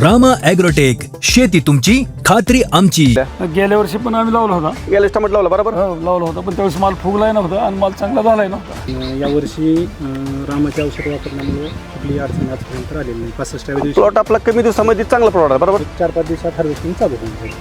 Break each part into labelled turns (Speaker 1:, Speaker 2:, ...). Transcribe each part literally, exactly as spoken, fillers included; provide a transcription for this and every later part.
Speaker 1: Rama agrotech, शेती तुमची खात्री आमची.
Speaker 2: गेल्या वर्षी पण आम्ही लावला होता.
Speaker 3: गेल्या टमाट लावला बरोबर.
Speaker 2: हो, लावला होता, पण त्यावेळेस माल फुगलाय नव्हता आणि माल चांगला झालाय नव्हता.
Speaker 4: यावर्षी रामाचे औषध वापरल्यामुळे कुठली अडचण आजपर्यंत आलेली नाही. पासष्टाव्या दिवशी
Speaker 3: प्लॉट आपला कमी दिवसामध्ये चांगला प्लॉट आहे बरोबर.
Speaker 4: चार पाच दिवसात हार्वेस्टिंग चालू होऊन जाईल.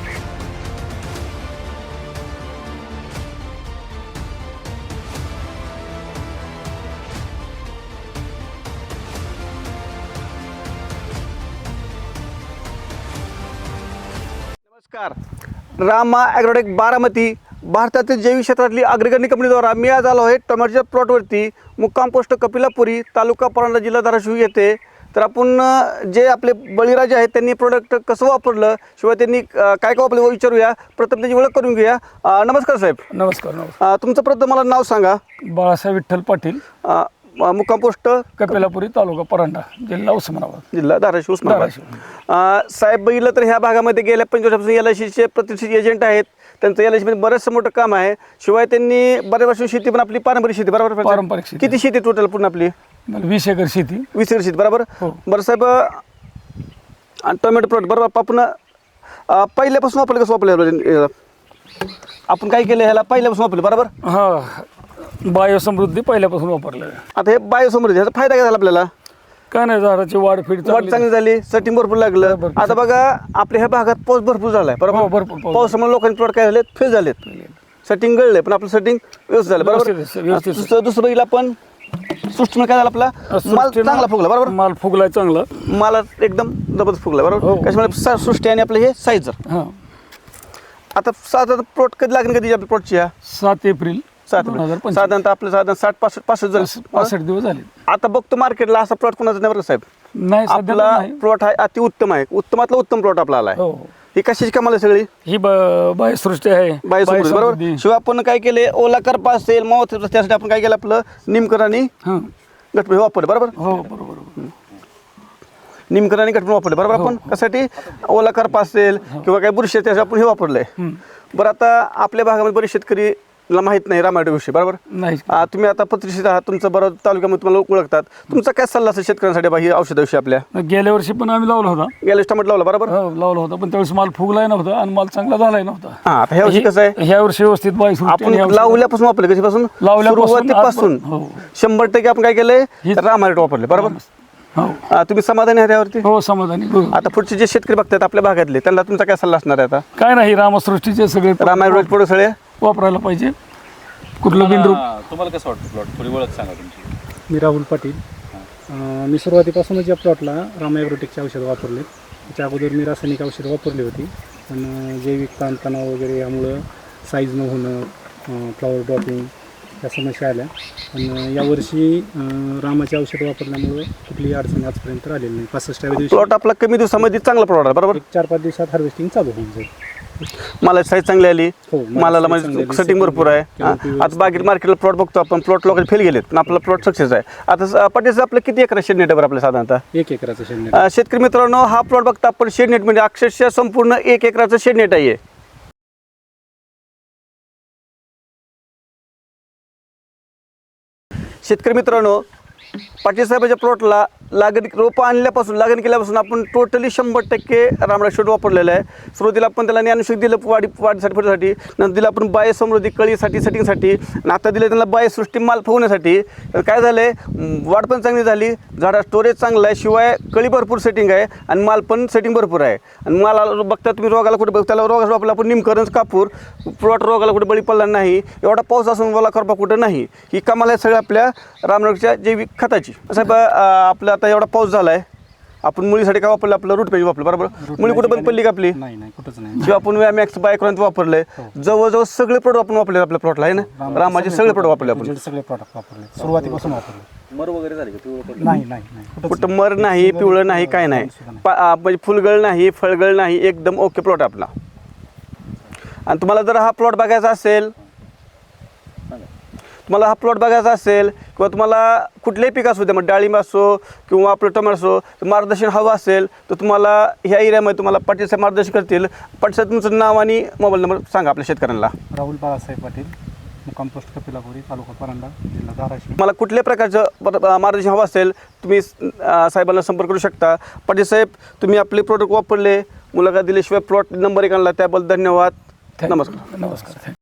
Speaker 3: नमस्कार. रामा ॲग्रोटेक बारामती भारतातील जैविक क्षेत्रातली अग्रगण्य कंपनीद्वारा मी आज आलो आहे टोमॅटोच्या प्लॉटवरती. मुक्काम पोस्ट कपिलापुरी, तालुका परांडा, जिल्हा धाराशिव येथे. तर आपण अ, जे आपले बळीराजे आहेत त्यांनी प्रोडक्ट कसं वापरलं, शिवाय त्यांनी अ, काय काय वापरलं विचारूया. प्रथम त्याची ओळख करून घेऊया. अ, नमस्कार साहेब.
Speaker 2: नमस्कार नमस्कार
Speaker 3: अ, तुमचं प्रथम मला नाव सांगा.
Speaker 2: बाळासाहेब विठ्ठल पाटील,
Speaker 3: अ, अ, मुक्काम पोस्ट
Speaker 2: कपिलापुरी, तालुका परांडा, जिल्हा उस्मानाबाद.
Speaker 3: जिल्हा धाराशिव उस्मानाबाद.
Speaker 2: धाराशिव.
Speaker 3: अ, साहेब बघितलं तर ह्या भागामध्ये गेल्या पंचवर्षापासून एल आय सीचे प्रतिष्ठित एजंट आहेत. त्यांचं एल आय सीमध्ये बरंचसं मोठं काम आहे. शिवाय त्यांनी बऱ्याच वर्ष शेती पण आपली पारंपरिक शेती बरोबर.
Speaker 2: पारंपरिक शेती.
Speaker 3: किती शेती टोटल पूर्ण आपली?
Speaker 2: मला वीस एकर शेती.
Speaker 3: वीस एकर शेती बरोबर.
Speaker 2: हो.
Speaker 3: बरं साहेब, आणि टोमॅटो प्लॉट बरोबर आपण अ, पहिल्यापासून वापरलं कसं वापरलं? आपण काय केलं ह्याला पहिल्यापासून वापरलं बरोबर.
Speaker 2: हा, बायोसमृद्धी पहिल्यापासून वापरलं.
Speaker 3: आता हे बायोसमृद्धी ह्याचा फायदा काय झाला आपल्याला?
Speaker 2: काय नाही, झाडाची वाढ फीड
Speaker 3: वाढ चांगली झाली, सेटिंग भरपूर लागलं.
Speaker 2: भरपूर.
Speaker 3: आता बघा आपल्या ह्या भागात पाऊस भरपूर झालाय
Speaker 2: हो,
Speaker 3: बरोबर.
Speaker 2: भरपूर पाऊस.
Speaker 3: पावसामुळे लोकांचे प्लॉट काय झाले, फेल झालेत. सेटिंग गळले, पण आपलं सेटिंग व्यवस्थित झालं बरोबर.
Speaker 2: व्यवस्थित, व्यवस्थित.
Speaker 3: दुसरं दुसरं बघितलं आपण सृष्टीमध्ये काय झालं, आपला माल
Speaker 2: सृष्टीनं
Speaker 3: चांगला फुगला बरोबर.
Speaker 2: माल फुगलाय चांगला.
Speaker 3: मला एकदम जबरदस्त फुगला बरोबर.
Speaker 2: हो.
Speaker 3: कशामुळे सा- सृष्टी आणि आपलं हे साईजर.
Speaker 2: हा,
Speaker 3: आता साधारण प्लॉट कधी लागेल, कधी आपल्या प्लॉटची ह्या
Speaker 2: सात एप्रिल
Speaker 3: सात
Speaker 2: दोन हजार पंचवीस.
Speaker 3: साधारणतः आपलं साधारण साठ पासष्ट पासष्ट जण
Speaker 2: पासष्ट दिवस झाले.
Speaker 3: आता बघतो मार्केटला असा प्लॉट कोणाचा नाही बरं साहेब.
Speaker 2: नाही, सध्या तर
Speaker 3: आपला
Speaker 2: नाही.
Speaker 3: प्लॉट आहे अति उत्तम आहे. उत्तमातला उत्तम प्लॉट आपला आला आहे.
Speaker 2: हो,
Speaker 3: ही कशाची कमाल आहे सगळी?
Speaker 2: ही ब- बायोसृष्टी आहे.
Speaker 3: बायोसमृद्धी बरोबर.
Speaker 2: बायोसमृद्धी.
Speaker 3: शिवाय आपण काय केले, ओला करपा असेल, मावत त्यासाठी आपण काय केलं, आपलं निमकर आणि
Speaker 2: हा,
Speaker 3: गटपण वापरले बरोबर.
Speaker 2: हो, बरोबर.
Speaker 3: निमकर आणि गटपण वापरले बरोबर. आपण कशासाठी? ओला करपा असेल किंवा काय बुरशी आहे, त्यासाठी आपण हे वापरलंय. बरं, आता आपल्या भागामध्ये बरेच शेतकरी ला माहित नाही रामायण विषयी बरोबर.
Speaker 2: नाही,
Speaker 3: आ, तुम्ही आता पत्रिशीत आहात, तुमचं बरोबर तालुक्यामध्ये तुम्हाला ओळखतात. तुमचा काय सल्ला असेल शेतकऱ्यांसाठी बा ही औषधाविषयी आपल्या?
Speaker 2: गेल्या वर्षी पण आम्ही लावला होता.
Speaker 3: गेल्या टमाट लावला बरोबर.
Speaker 2: हो, लावला होता, पण त्यावेळेस माल फुगलाय नव्हता आणि माल चांगला झालाय नव्हता.
Speaker 3: हा, आता ह्या वर्षी कसं आहे,
Speaker 2: ह्या वर्षी व्यवस्थित बायोसृष्टी
Speaker 3: आपण
Speaker 2: आणि ह्या वर्षी-
Speaker 3: लावल्यापासून वापरले, कधीपासून?
Speaker 2: लावल्यापासून
Speaker 3: सुरुवातीपासून
Speaker 2: हो.
Speaker 3: शंभर टक्के आपण काय केलंय,
Speaker 2: हे-
Speaker 3: रामायण वापरले बरोबर.
Speaker 2: हो,
Speaker 3: आ, तुम्ही समाधानी आहात यावरती?
Speaker 2: हो, समाधानी. हो.
Speaker 3: आता पुढचे जे शेतकरी बघतात आपल्या भागातले, त्यांना तुमचा काय सल्ला असणार आहे आता?
Speaker 2: काय नाही, रामसृष्टीचे सगळे
Speaker 3: रामायण प्रोडक्ट सगळे
Speaker 2: वापरायला पाहिजे. कुठलं बिंदू
Speaker 5: तुम्हाला कसं वाटतं प्लॉट? थोडी ओळख सांगा तुमची.
Speaker 4: मी राहुल पाटील. अं, मी सुरुवातीपासूनच या प्लॉटला रामा ॲग्रोटेकचे औषधं वापरले. त्याच्या अगोदर मी रासायनिक औषधं वापरली होती, पण अं, जैविक ताणतणाव वगैरे यामुळं साईज न होणं, फ्लॉवर ड्रॉपिंग या समस्या आल्या. पण अं, यावर्षी अं, रामाचे औषध वापरल्यामुळे कुठलीही अडचण आजपर्यंत आलेली नाही. पासष्टाव्या दिवशी
Speaker 3: प्लॉट आपला कमी दिवसामध्ये चांगला प्लॉट आहे बरोबर.
Speaker 4: एक चार पाच दिवसात हार्वेस्टिंग चालू होऊन जाईल.
Speaker 3: मला साईज चांगली आली,
Speaker 4: हो, मला
Speaker 3: मालाला
Speaker 4: size चांगली
Speaker 3: म्हणजे
Speaker 4: आली,
Speaker 3: सेटिंग भरपूर आहे.
Speaker 4: किंवा
Speaker 3: हा,
Speaker 4: पिवळं
Speaker 3: आता बाकी मार्केटला प्लॉट बघतो आपण, प्लॉट लोकांचे फेल गेलेत, पण आपला प्लॉट सक्सेस आहे. आता पटेल आपलं किती एकर शेड नेट आहे आपल्या साधारणतः?
Speaker 4: एक एकराचं शेंड.
Speaker 3: अ, शेतकरी मित्रांनो, हा प्लॉट बघता आपण शेड नेट म्हणजे अक्षरशः संपूर्ण एक एकराचं शेड नेट आहे. शेतकरी मित्रांनो, पाटील साहेबाच्या प्लॉटला लागण रोपं आणल्यापासून लागण केल्यापासून आपण टोटली शंभर टक्के रामराज शेड वापरलेलं आहे. सुरुवातीला आपण त्याला ज्ञानशोध दिलं वाढी वाढीसाठी फळसाठी, नंतर दिलं आपण बाय समृद्धी कळीसाठी सेटिंगसाठी, आणि आता दिलं त्यांना बाय सृष्टी माल फुगण्यासाठी. काय झालं आहे, वाढ पण चांगली झाली, झाडा स्टोरेज चांगलं आहे, शिवाय कळी भरपूर सेटिंग आहे आणि माल पण सेटिंग भरपूर आहे. आणि माला बघता तुम्ही रोगाला कुठे बघ, त्याला रोगाला आपलं आपण निमकरंज कापूर प्लॉट रोगाला कुठे बळी पडला नाही, एवढा पाऊस असून ओला करपा कुठं नाही. ही कमाल आहे सगळ्या आपल्या रामराजच्या जैविक खताची. साहेब, आपला आता एवढा पाऊस झाला आहे, आपण मुलीसाठी काय वापरलं, आपलं रूट पेज वापरलं बरोबर. मुली कुठे बंद पडली का आपली?
Speaker 4: नाही नाही, कुठंच नाही.
Speaker 3: जेव्हा आपण वॅमॅक्स बायक्रॉन्ट वापरलंय, जवळजवळ सगळे प्रोडक्ट आपण वापरले आपल्या प्लॉटला आहे ना. रामाचे सगळे प्रोडक्ट वापरले आपण.
Speaker 4: सगळे प्रॉडक्ट वापरले, सुरुवातीपासून वापरले.
Speaker 5: मर वगैरे झाली का? पिवळं पडलं?
Speaker 4: नाही नाही नाही, कुठंच
Speaker 3: कुठं मर नाही, पिवळं नाही, काय नाही, पा- आ, म्हणजे फुलगळ नाही, फळगळ नाही, एकदम ओके प्लॉट आपला. आणि तुम्हाला जर हा प्लॉट बघायचा असेल, तुम्हाला हा प्लॉट बघायचा असेल किंवा तुम्हाला कुठलेही पीक असू दे, मग डाळिंब असो किंवा आपलं टोमॅटो असो, तर मार्गदर्शन हवं असेल तर तुम्हाला ह्या एरियामध्ये तुम्हाला पाटील साहेब मार्गदर्शन करतील. पाटील साहेब, तुमचं नाव आणि मोबाईल नंबर सांगा आपल्या शेतकऱ्यांना.
Speaker 4: राहुल बाळासाहेब पाटील, मुक्काम पोस्ट कपिलापुरी, तालुका परांडा, जिल्हा धाराशिव.
Speaker 3: मला कुठल्याही प्रकारचं प- मार्गदर्शन हवं असेल तुम्ही अ, साहेबांना संपर्क करू शकता. पाटील साहेब, तुम्ही आपले प्रोडक्ट वापरले, मुलाखत दिल्याशिवाय प्लॉट नंबर एक आणला, त्याबद्दल धन्यवाद.
Speaker 2: Thank you.
Speaker 3: नमस्कार.
Speaker 2: नमस्कार.